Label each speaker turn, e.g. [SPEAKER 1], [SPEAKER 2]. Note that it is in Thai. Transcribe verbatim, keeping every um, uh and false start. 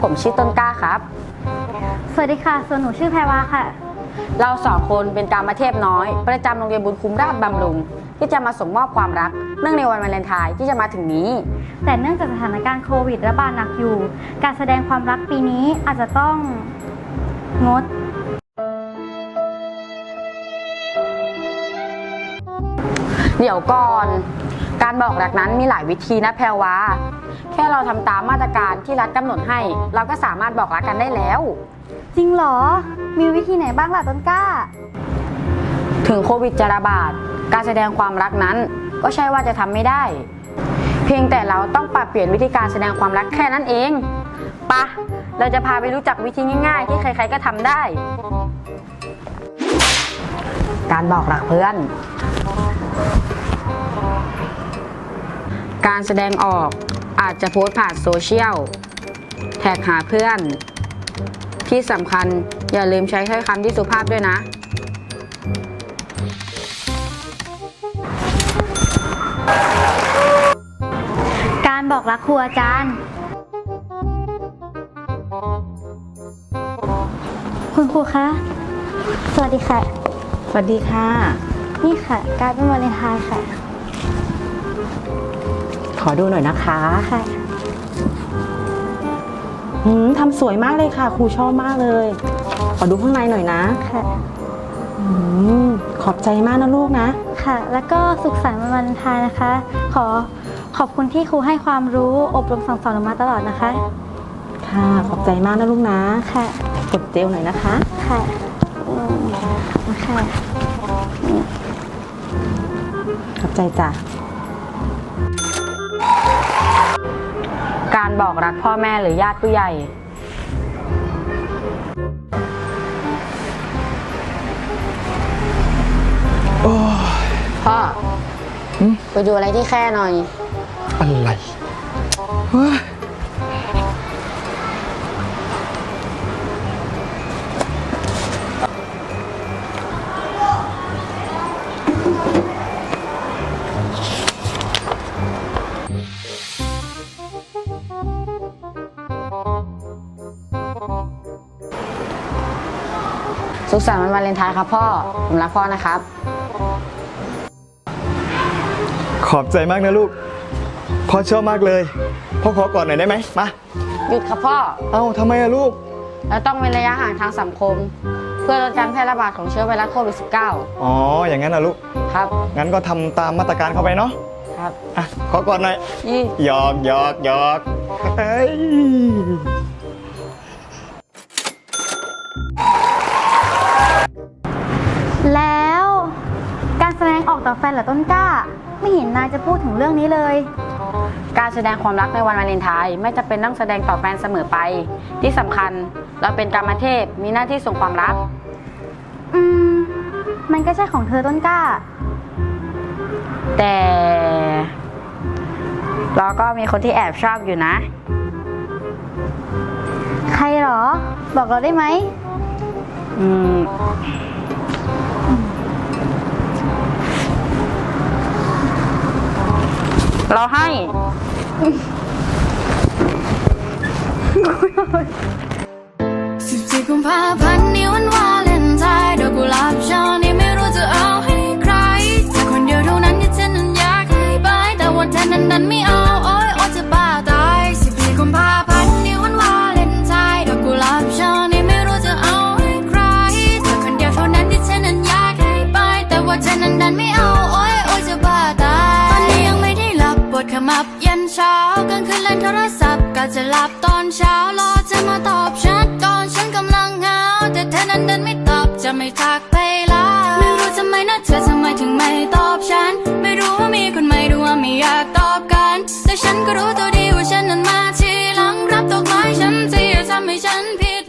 [SPEAKER 1] ผมชื่อต้นกล้าครับ
[SPEAKER 2] สวัสดีค่ะส่วนหนูชื่อแพรวาค่ะ
[SPEAKER 1] เราสองคนเป็นกามเทพน้อยประจำโรงเรียนบุญคุ้มราชบำรุงที่จะมาส่งมอบความรักเนื่องในวันวาเลนไทน์ที่จะมาถึงนี้
[SPEAKER 2] แต่เนื่องจากสถานการณ์โควิดระบาดหนักอยู่การแสดงความรักปีนี้อาจจะต้องงด
[SPEAKER 1] เดี๋ยวก่อนการบอกรักนั้นมีหลายวิธีนะแพรวาแค่เราทำตามมาตรการที่รัฐกำหนดให้เราก็สามารถบอกรักกันได้แล้ว
[SPEAKER 2] จริงเหรอมีวิธีไหนบ้างล่ะต้นกล้า
[SPEAKER 1] ถึงโควิดจะระบาดการแสดงความรักนั้นก็ใช่ว่าจะทำไม่ได้เพียงแต่เราต้องปรับเปลี่ยนวิธีการแสดงความรักแค่นั้นเองปะเราจะพาไปรู้จักวิธีง่ายๆที่ใครๆก็ทำได้การบอกรักเพื่อนการแสดงออกอาจจะโพสต์ผ่านโซเชียลแท็กหาเพื่อนที่สำคัญอย่าลืมใช้ถ้อยคำที่สุภาพด้วยนะ
[SPEAKER 2] การบอกรักครูอาจารย์คุณครูคะสวัสดีค่ะ
[SPEAKER 1] สวัสดีค่ะ
[SPEAKER 2] นี่ค่ะการเป็นวาเลนไทน์ค่ะ
[SPEAKER 1] ขอดูหน่อยนะคะ
[SPEAKER 2] ค่ะ
[SPEAKER 1] หืมทำสวยมากเลยค่ะครูชอบมากเลยขอดูข้างในหน่อยนะ
[SPEAKER 2] ค่ะ
[SPEAKER 1] อืมขอบใจมากนะลูกนะ
[SPEAKER 2] ค่ะแล้วก็สุขสันต์วันวาเลนไทน์นะคะขอขอบคุณที่ครูให้ความรู้อบรมสั่งสอนมาตลอดนะคะ
[SPEAKER 1] ค่ะขอบใจมากนะลูกนะ
[SPEAKER 2] ค่ะ
[SPEAKER 1] กดเจลหน่อยนะคะ
[SPEAKER 2] ค่ะอืมค่ะ
[SPEAKER 1] ขอบใจจ้ะการบอกรักพ่อแม่หรือญาติผู้ใหญ่พ่อไปดูอะไรที่แค่หน่อย
[SPEAKER 3] อะไร
[SPEAKER 1] สุขสันต์วันวาเลนไทน์ครับพ่อผมรักพ่อนะครับ
[SPEAKER 3] ขอบใจมากนะลูกพ่อชอบมากเลยพ่อขอกอดหน่อยได้ไหมมา
[SPEAKER 1] หยุดครับพ่อ
[SPEAKER 3] เอ้าทำไมอะลูก
[SPEAKER 1] เราต้องเว้นระยะห่างทางสังคมเพื่อลดการแพร่ระบาดของเชื้อไวรัสโควิด สิบเก้า
[SPEAKER 3] อ๋ออย่างนั้นนะลูก
[SPEAKER 1] ครับ
[SPEAKER 3] งั้นก็ทำตามมาตรการเข้าไปเนาะ
[SPEAKER 1] ครับ
[SPEAKER 3] อ่ะขอกอดหน่อยหยอกหยอกหยอกเฮ้ย
[SPEAKER 2] แล้วการแสดงออกต่อแฟนเหรอต้นกล้าไม่เห็นนายจะพูดถึงเรื่องนี้เลย
[SPEAKER 1] การแสดงความรักในวันวาเลนไทน์ไม่จำเป็นต้องแสดงต่อแฟนเสมอไปที่สำคัญเราเป็นกามเทพมีหน้าที่ส่งความรัก
[SPEAKER 2] อืมมันก็ใช่ของเธอต้นกล้า
[SPEAKER 1] แต่เราก็มีคนที่แอบชอบอยู่นะ
[SPEAKER 2] ใครหรอบอกเราได้ไหม
[SPEAKER 1] อืมเราให้
[SPEAKER 4] สิบสี่กุมภาพันธ์นี้วันวาเลนไทน์ดอกกุหลาบช่อนี้ไม่รู้จะเอาให้ใครแต่คนเดียวเท่านั้นที่ฉันนั้นอยากให้ไปแต่ว่าเธอนั้นนั้นไม่เอาโอ๊ยโอ๊ยจะบ้าตายสิบสี่กุมภาพันธ์นี้วันวาเลนไทน์ดอกกุหลาบช่อนี้ไม่รู้จะเอาให้ใครแต่คนเดียวเท่านั้นที่ฉันนั้นอยากให้ไปแต่ว่าเธอนั้นนั้นไม่เอาโอ๊ยโอ๊ยจะบ้าตายตอนนี้ยังไม่ได้หลับปวดขมับยันเช้ากลางคืนเล่นโทรศัพท์ก็จะหลับตอนเช้ารอเธอมาตอบฉันก่อนฉันกำลังเหงาแต่เธอนั้นเดินไม่ตอบจะไม่ทักไปละไม่รู้ทำไมนะเธอทำไมถึงไม่ตอบฉันไม่รู้ว่ามีคนใหม่หรือว่าไม่อยากตอบกันแต่ฉันก็รู้ตัวดีว่าฉันนั้นมาทีหลังรับดอกไม้ฉันที่ทำให้ฉันผิด